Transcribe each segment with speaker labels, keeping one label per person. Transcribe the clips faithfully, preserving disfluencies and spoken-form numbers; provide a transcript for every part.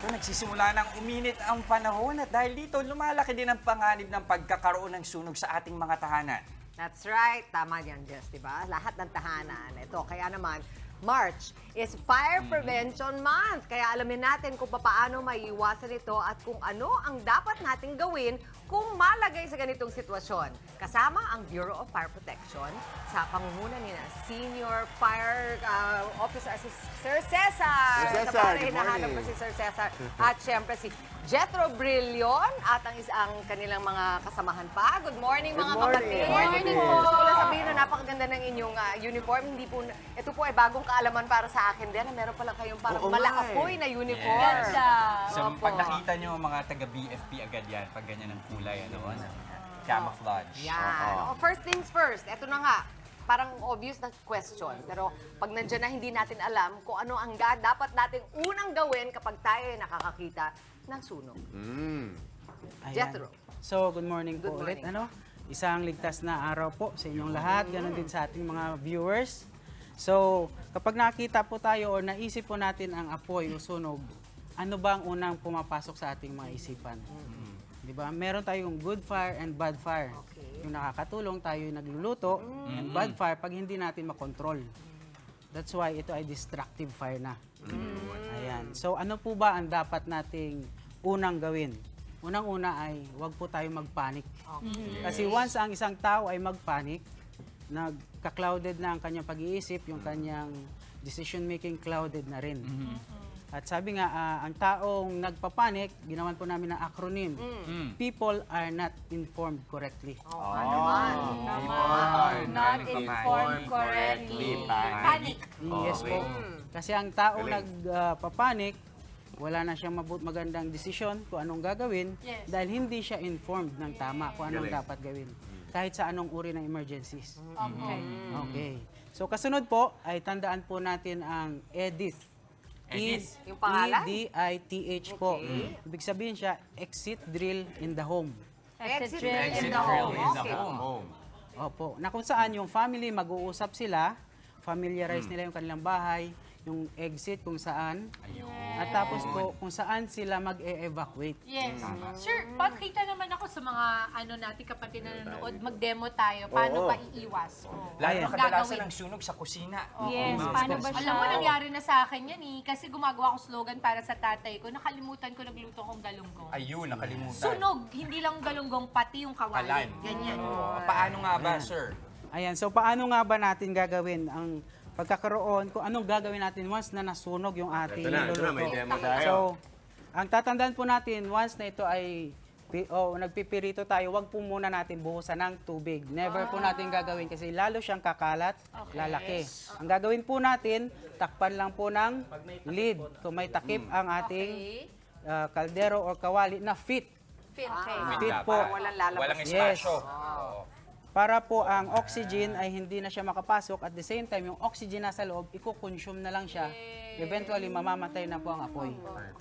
Speaker 1: nagsisimula ng uminit ang panahon at dahil dito, lumalaki din ang panganib ng pagkakaroon ng sunog sa ating mga tahanan.
Speaker 2: That's right. Tama yan, Jess, di ba? Lahat ng tahanan. Ito, kaya naman, March is Fire Prevention Month. Kaya alamin natin kung paano maiiwasan ito at kung ano ang dapat nating gawin kung malagay sa ganitong sitwasyon. Kasama ang Bureau of Fire Protection sa pangunguna ni na Senior Fire uh, Officer si Sir Cesar.
Speaker 3: Sir Cesar,
Speaker 2: Sa para
Speaker 3: good
Speaker 2: hinahanap ko
Speaker 3: morning.
Speaker 2: si Sir Cesar. At syempre si Jethro Brillion at ang isang kanilang mga kasamahan pa. Good morning,
Speaker 3: Good
Speaker 2: mga
Speaker 3: morning.
Speaker 2: kapatid.
Speaker 3: Good morning
Speaker 2: po.
Speaker 3: po.
Speaker 2: Gusto ko lang sabihin na napakaganda ng inyong ah, uniform. Hindi po, ito po ay bagong kaalaman para sa akin din. Meron pala kayong parang
Speaker 3: Oo nga
Speaker 2: malaapoy na uniform.
Speaker 1: Yes. So,
Speaker 2: Opo.
Speaker 1: pag nakita nyo mga taga-B F P agad yan, pag ganyan ang kulay, ano, camouflage.
Speaker 2: Yan. Oh, first things first. Ito na nga. Parang obvious na question. Pero pag nandiyan na hindi natin alam kung ano ang ga- dapat nating unang gawin kapag tayo ay nakakakita ng sunog.
Speaker 3: Mm.
Speaker 4: Ayan.
Speaker 2: Jethro.
Speaker 4: So, good morning
Speaker 2: Good
Speaker 4: po ulit.
Speaker 2: morning.
Speaker 4: Ano? Isang ligtas na araw po sa inyong lahat. Ganon din sa ating mga viewers. So, kapag nakita po tayo o naisip po natin ang apoy o sunog, ano ba ang unang pumapasok sa ating mga isipan? Di ba? Meron tayong good fire and bad fire.
Speaker 2: Okay.
Speaker 4: Yung nakakatulong, tayo yung nagluluto. And bad fire, pag hindi natin makontrol. That's why ito ay destructive fire na. Ayan. So, ano po ba ang dapat nating unang gawin? Unang-una ay huwag po tayo magpanik. Kasi once ang isang tao ay magpanik, nagka-clouded na ang kanyang pag-iisip, yung kanyang decision-making clouded na rin. At sabi nga, ah, ang taong nagpapanik, ginawan po namin ng acronym. People are not informed correctly.
Speaker 2: Oh, ano naman.
Speaker 5: Not informed correctly. Panic.
Speaker 4: Yes po. Kasi ang taong nagpapanik, wala na siyang mabut magandang desisyon kung anong gagawin
Speaker 5: Yes.
Speaker 4: dahil hindi siya informed ng tama kung anong dapat gawin. Kahit sa anong uri ng emergencies.
Speaker 5: Okay.
Speaker 4: Okay. So kasunod po ay tandaan po natin ang EDITH.
Speaker 1: EDITH?
Speaker 2: Yung pangalan?
Speaker 4: E D I T H po.
Speaker 2: Okay.
Speaker 4: Ibig sabihin siya, exit drill in the home.
Speaker 2: Exit
Speaker 5: drill
Speaker 2: in
Speaker 1: Exit
Speaker 2: the
Speaker 1: drill
Speaker 2: home.
Speaker 1: in the
Speaker 2: Okay.
Speaker 1: home.
Speaker 3: Home.
Speaker 4: Opo. Na kung saan yung family mag-uusap sila, familiarize nila yung kanilang bahay, yung exit kung saan, at tapos po kung saan sila mag-e-evacuate.
Speaker 5: Yes. Sir, pagkita naman ako sa mga ano natin kapatid na nanonood, mag-demo tayo. Paano
Speaker 3: Oo.
Speaker 5: ba iiwas? Oh.
Speaker 1: Lalo
Speaker 4: Ayan.
Speaker 1: na kadalasan
Speaker 5: Gagawin.
Speaker 1: ng sunog sa kusina.
Speaker 6: Yes, paano ba siya?
Speaker 5: Alam mo, nangyari na sa akin yan eh. Kasi gumagawa ko slogan para sa tatay ko. Nakalimutan ko nagluto kong galunggong.
Speaker 1: Ayun, nakalimutan.
Speaker 5: Sunog, hindi lang galunggong, pati yung
Speaker 1: Kalan.
Speaker 5: kawali. Ganyan.
Speaker 1: Oo. Paano nga ba, sir?
Speaker 4: Ayan, so paano nga ba natin gagawin ang pagkakaroon, kung anong gagawin natin once na nasunog yung ating
Speaker 3: Ito na, ito na, may
Speaker 4: niluluto.
Speaker 3: demo tayo.
Speaker 4: So, ang tatandaan po natin, once na ito ay pi- oh, nagpipirito tayo, wag po muna natin buhusan ng tubig. Never po natin gagawin kasi lalo siyang kakalat, lalaki. Ang gagawin po natin, takpan lang po ng lid. Kung may takip ang ating
Speaker 5: Okay.
Speaker 4: ah, kaldero o kawali na fit.
Speaker 5: Fit.
Speaker 2: Ah,
Speaker 4: Fit
Speaker 1: Dapat.
Speaker 4: po.
Speaker 2: Walang lalabas.
Speaker 1: Walang
Speaker 4: Yes.
Speaker 1: espasyo. Oo.
Speaker 4: Para po ang oxygen ay hindi na siya makapasok. At the same time, yung oxygen nasa loob, iko-consume na lang siya. Eventually, mamamatay na po ang apoy.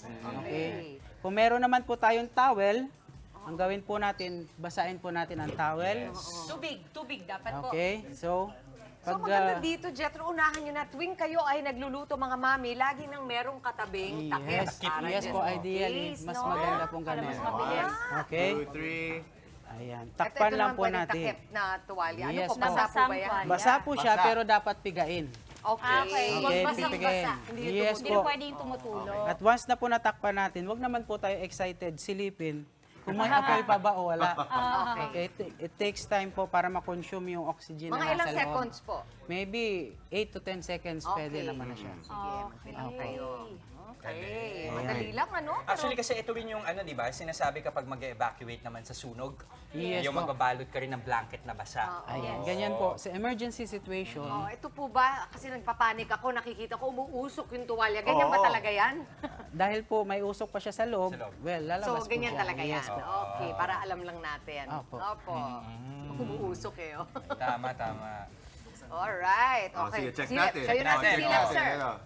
Speaker 4: Okay. Kung meron naman po tayong towel, ang gawin po natin, basahin po natin ang towel.
Speaker 5: Tubig, tubig dapat po.
Speaker 4: Okay, so,
Speaker 2: So
Speaker 4: pag,
Speaker 2: maganda
Speaker 4: ah,
Speaker 2: dito, Jethro, unahan nyo na tuwing kayo ay nagluluto mga mami, lagi nang merong katabing takip.
Speaker 4: yes,
Speaker 2: para
Speaker 4: yes
Speaker 2: dyan
Speaker 4: po,
Speaker 2: sa
Speaker 4: ideally,
Speaker 2: case,
Speaker 4: mas
Speaker 2: no?
Speaker 4: maganda pong
Speaker 5: Para
Speaker 4: ganun.
Speaker 5: mas mabilis.
Speaker 4: Okay,
Speaker 3: Two, three.
Speaker 4: ayan,
Speaker 2: Ito,
Speaker 4: takpan
Speaker 2: ito
Speaker 4: lang
Speaker 2: naman
Speaker 4: po
Speaker 2: pwedeng
Speaker 4: natin.
Speaker 2: takip na tuwalya. Ano
Speaker 4: Yes
Speaker 2: po,
Speaker 4: po.
Speaker 2: basa po ba yan?
Speaker 6: Basang
Speaker 4: Basa po siya,
Speaker 3: Basa.
Speaker 4: pero dapat pigain.
Speaker 2: Okay.
Speaker 6: Okay.
Speaker 4: Okay,
Speaker 5: basang
Speaker 4: pipigain.
Speaker 5: basa.
Speaker 2: Hindi
Speaker 4: Yes
Speaker 6: Hindi
Speaker 4: po.
Speaker 6: na pwede yung tumutulog.
Speaker 4: At once na po natakpan natin, wag naman po tayo excited, silipin. Kung may apoy pa ba o wala. Okay, it, it takes time po para ma-consume yung oxygen
Speaker 2: Mga
Speaker 4: na
Speaker 2: ilang
Speaker 4: nasa loob.
Speaker 2: seconds po?
Speaker 4: Maybe eight to ten seconds pwede
Speaker 2: Okay.
Speaker 4: naman na siya.
Speaker 2: Sige, magbilang
Speaker 4: Okay.
Speaker 2: kayo. Okay. Madali lang, ano? Pero
Speaker 1: Actually, kasi ito rin yung ano, di ba? Sinasabi kapag mag-evacuate naman sa sunog,
Speaker 4: Yes
Speaker 1: yung
Speaker 4: po.
Speaker 1: magbabalot ka rin ng blanket na basa.
Speaker 4: Ayan, ganyan po. Sa emergency situation,
Speaker 2: Oh, ito po ba? Kasi nagpapanik ako, nakikita ko umuusok yung tuwalya. Ganyan ba
Speaker 3: Oo.
Speaker 2: talaga yan?
Speaker 4: dahil po may usok pa siya sa loob,
Speaker 1: Sa loob.
Speaker 4: well, lalabas
Speaker 2: So,
Speaker 4: po
Speaker 2: ganyan
Speaker 4: siya.
Speaker 2: talaga yan.
Speaker 4: Yes po.
Speaker 2: Okay, para alam lang natin.
Speaker 4: Opo.
Speaker 2: Opo. Umuusok eh. oh.
Speaker 1: Tama, tama.
Speaker 2: Alright.
Speaker 3: Oh,
Speaker 2: Okay.
Speaker 3: sige, check
Speaker 2: Silip.
Speaker 3: natin.
Speaker 2: Kayo na
Speaker 1: Natin.
Speaker 2: silip,
Speaker 1: Oh.
Speaker 2: sir.
Speaker 3: Ano?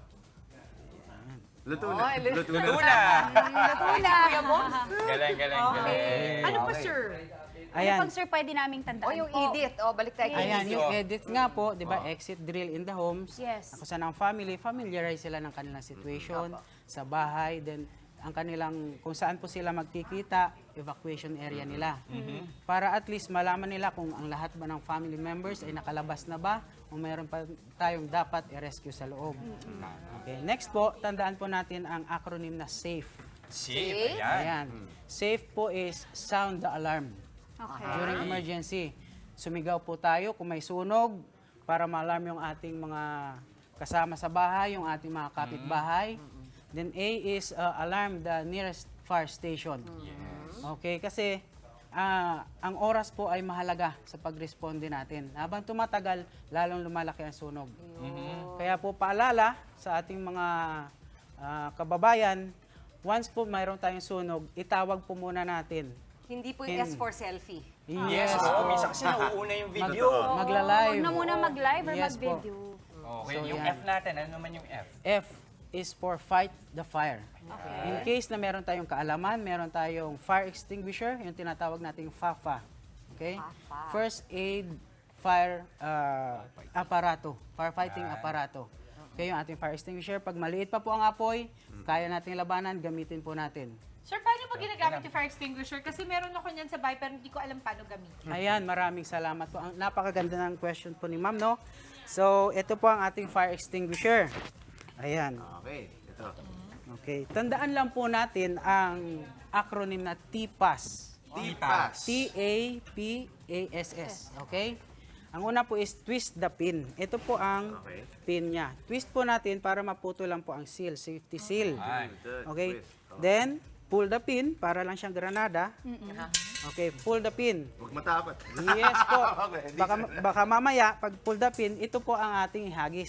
Speaker 3: Luto
Speaker 2: Oh,
Speaker 3: na.
Speaker 2: luto
Speaker 3: Luto na.
Speaker 1: Tuna!
Speaker 2: Natula. Kuya Bones.
Speaker 1: Galing, galing, galing.
Speaker 5: Ano pa, sir?
Speaker 6: Ano
Speaker 4: Ayan.
Speaker 6: pang sir pwede naming tandaan
Speaker 2: O yung
Speaker 6: po?
Speaker 2: edit. O, balik tayo kay
Speaker 4: Ayan,
Speaker 2: edit.
Speaker 4: yung edit nga po, di ba, exit drill in the homes.
Speaker 6: Yes.
Speaker 4: Ako sa ng family, familiarize sila ng kanilang situation sa bahay. Then, ang kanilang, kung saan po sila magkikita, evacuation area nila. Para at least malaman nila kung ang lahat ba ng family members ay nakalabas na ba o mayroon pa tayong dapat i-rescue sa loob. Okay, next po, tandaan po natin ang acronym na SAFE.
Speaker 1: Safe, ayan.
Speaker 4: Ayan. SAFE po is sound the alarm.
Speaker 6: Okay.
Speaker 4: During emergency, sumigaw po tayo kung may sunog para ma-alarm yung ating mga kasama sa bahay, yung ating mga kapitbahay. Then A is uh, alarm the nearest fire station. Okay, kasi ah, ang oras po ay mahalaga sa pagresponde natin. Habang tumatagal, lalong lumalaki ang sunog. Kaya po paalala sa ating mga ah, kababayan, once po mayroon tayong sunog, itawag po muna natin.
Speaker 2: Hindi po yung S for selfie.
Speaker 1: Yes, oo. Minsan kasi nauuna yung video.
Speaker 4: Magla-live.
Speaker 6: Huwag na muna mag-live or
Speaker 4: Yes po.
Speaker 6: mag-video.
Speaker 1: Okay,
Speaker 4: So,
Speaker 1: yung
Speaker 4: yan.
Speaker 1: F natin, ano naman yung F?
Speaker 4: F is for fight the fire. In case na meron tayong kaalaman, meron tayong fire extinguisher, yung tinatawag nating FAFA. Okay?
Speaker 2: FAFA.
Speaker 4: First aid fire uh, aparato, firefighting aparato. Okay, yung ating fire extinguisher. Pag maliit pa po ang apoy, kaya nating labanan, gamitin po natin.
Speaker 5: Sir, paano ba ginagamit yung fire extinguisher? Kasi meron ako niyan sa bahay pero hindi ko alam paano gamitin.
Speaker 4: Ayan, maraming salamat po. Ang napakaganda ng question po ni Ma'am, no? So, ito po ang ating fire extinguisher. Ayan.
Speaker 3: Okay, ito.
Speaker 4: Okay. Tandaan lang po natin ang acronym na T P A S.
Speaker 1: T-Pass.
Speaker 4: T A P A S S. Okay? Ang una po is twist the pin. Ito po ang
Speaker 3: Okay.
Speaker 4: pin niya. Twist po natin para maputo lang po ang seal, safety seal.
Speaker 1: Ay.
Speaker 3: Good.
Speaker 4: Okay?
Speaker 3: Twist. Oh.
Speaker 4: Then, pull the pin para lang siyang granada. Okay, pull the pin.
Speaker 3: Huwag matapat.
Speaker 4: Yes po.
Speaker 3: Okay, di
Speaker 4: Baka, baka mamaya, pag pull the pin, ito po ang ating ihagis.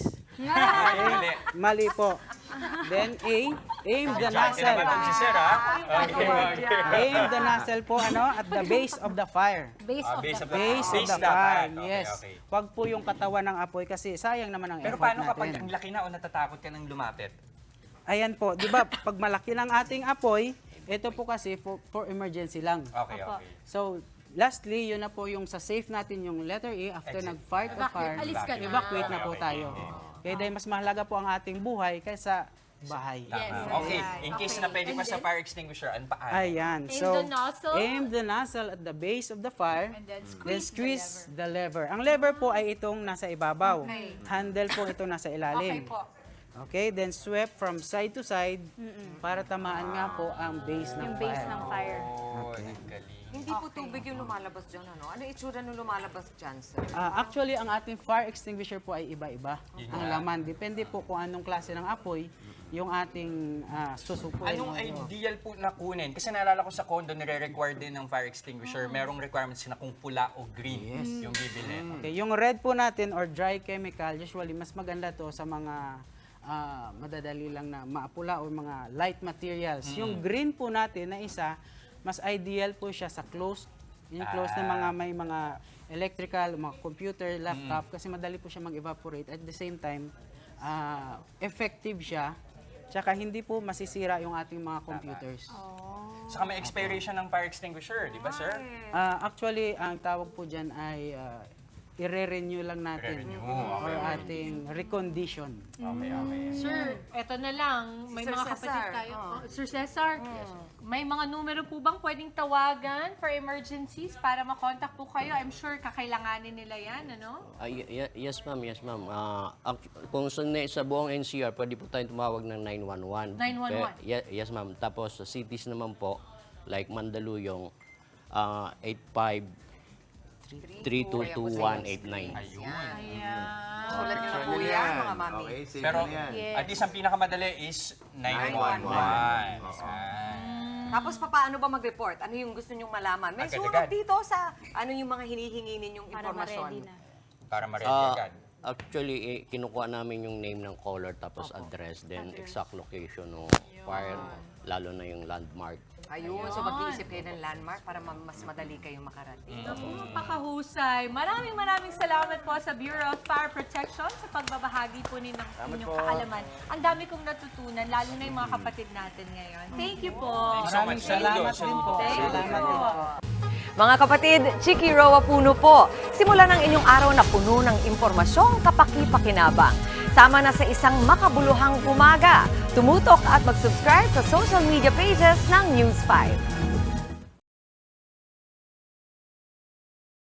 Speaker 1: Mali.
Speaker 4: Mali po. Then A, aim the
Speaker 1: Diyan
Speaker 4: nozzle.
Speaker 1: naman si Sir, ha? Okay, okay.
Speaker 4: Aim the nozzle po ano at the base of the fire.
Speaker 6: Base
Speaker 1: Ah,
Speaker 6: of
Speaker 1: base
Speaker 6: the
Speaker 1: of the
Speaker 4: Base of the
Speaker 1: dapat.
Speaker 4: fire.
Speaker 1: Okay,
Speaker 4: Yes.
Speaker 1: okay.
Speaker 4: Wag po yung katawan ng apoy kasi sayang naman ang
Speaker 1: Pero
Speaker 4: effort
Speaker 1: paano kapag ang
Speaker 4: natin.
Speaker 1: laki na o natatakot ka nang lumapit?
Speaker 4: Ayan po, 'di ba? Pag malaki ng ating apoy, ito po kasi for, for emergency lang.
Speaker 1: Okay, okay.
Speaker 4: So, lastly, yun na po yung sa safe natin, yung letter A, after
Speaker 1: Exit.
Speaker 4: nag-fight the fire,
Speaker 5: Alis ka na.
Speaker 4: evacuate na
Speaker 1: Okay,
Speaker 4: po
Speaker 1: okay.
Speaker 4: tayo. Kaya dahil mas mahalaga po ang ating buhay kaysa bahay.
Speaker 1: Tama. Okay, in case na pwede pa sa fire extinguisher, ano paano?
Speaker 4: Ayan.
Speaker 5: Aim
Speaker 4: So,
Speaker 5: the nozzle.
Speaker 4: aim the nozzle at the base of the fire,
Speaker 5: And then
Speaker 4: then
Speaker 5: squeeze
Speaker 4: squeeze the lever. Ang lever po ay itong nasa ibabaw.
Speaker 5: Okay.
Speaker 4: Handle po ito nasa
Speaker 5: Okay
Speaker 4: ilalim.
Speaker 5: po.
Speaker 4: Okay, then sweep from side to side para tamaan nga po ang base ng
Speaker 6: yung base
Speaker 4: fire.
Speaker 6: ng fire.
Speaker 1: Oh, ang galing.
Speaker 2: Hindi po tubig yung lumalabas dyan, ano? Ano itsura nung lumalabas dyan, sir?
Speaker 4: Ah, actually, ang ating fire extinguisher po ay iba-iba.
Speaker 1: Yun
Speaker 4: Ang
Speaker 1: nga.
Speaker 4: laman, depende po kung anong klase ng apoy yung ating ah, susupuin.
Speaker 1: Anong
Speaker 4: o-
Speaker 1: ideal po na kunin? Kasi naalala ko sa condo, nire-require din ng fire extinguisher. Merong requirements na kung pula o green yung bibili.
Speaker 4: Okay, yung red po natin or dry chemical, usually mas maganda to sa mga ah, madadali lang na maapula o mga light materials. Yung green po natin na isa, mas ideal po siya sa closed, yung closed na mga may mga electrical, mga computer, laptop, kasi madali po siya mag-evaporate. At the same time, ah, effective siya, tsaka hindi po masisira yung ating mga computers.
Speaker 1: Saka may expiration ng fire extinguisher, di ba, sir?
Speaker 4: Ah, actually, ang tawag po dyan ay ah, i-renew lang natin
Speaker 1: I-re-renew,
Speaker 4: or ating recondition.
Speaker 1: Okay, okay.
Speaker 5: Sir, eto na lang. May
Speaker 2: Sir
Speaker 5: mga kapatid
Speaker 2: Cesar.
Speaker 5: tayo. Oh, Sir Cesar, may mga numero po bang pwedeng tawagan for emergencies para makontak po kayo? I'm sure kakailanganin nila yan, ano?
Speaker 7: Ah, y- y- yes, ma'am. Yes, ma'am. Ah, act- kung sa, ne- sa buong N C R, pwede po tayong tumawag ng nine one one.
Speaker 5: nine one one.
Speaker 7: Pe- ye- yes, ma'am. Tapos sa cities naman po, like Mandaluyong, ah, eight five three two two one eight nine.
Speaker 1: Ayun.
Speaker 5: Ayan.
Speaker 2: Sulat niyo na
Speaker 3: Sure
Speaker 2: po
Speaker 3: na
Speaker 2: yan, mga mami.
Speaker 3: Okay, safe
Speaker 1: Pero
Speaker 3: na yan.
Speaker 6: Yes.
Speaker 1: at least ang pinakamadali is nine one one.
Speaker 2: Tapos paano ba mag-report? Ano yung gusto nyong malaman? May
Speaker 1: Agad-agad.
Speaker 2: sulat dito sa ano yung mga hinihingi ninyong
Speaker 6: Para
Speaker 2: impormasyon.
Speaker 6: ma-ready na.
Speaker 1: Para ma-ready
Speaker 7: Ah,
Speaker 1: agad.
Speaker 7: actually, eh, kinukuha namin yung name ng caller tapos address, then exact location ng fire, lalo na yung landmark.
Speaker 2: Ayun, so mag-iisip kayo ng landmark para ma- mas madali kayong makarating.
Speaker 5: Napakahusay. Maraming maraming salamat po sa Bureau of Fire Protection sa pagbabahagi po ninyo ng inyong kaalaman. Ang dami kong natutunan, lalo na yung mga kapatid natin ngayon. Thank you po.
Speaker 4: Maraming salamat din po.
Speaker 5: Thank you
Speaker 4: Salamat
Speaker 5: po.
Speaker 4: din po.
Speaker 2: Mga kapatid, Chiki Roa Puno po. Simulan ang inyong araw na puno ng impormasyong kapaki-pakinabang. Sama na sa isang makabuluhang umaga. Tumutok at mag-subscribe sa social media pages ng News five.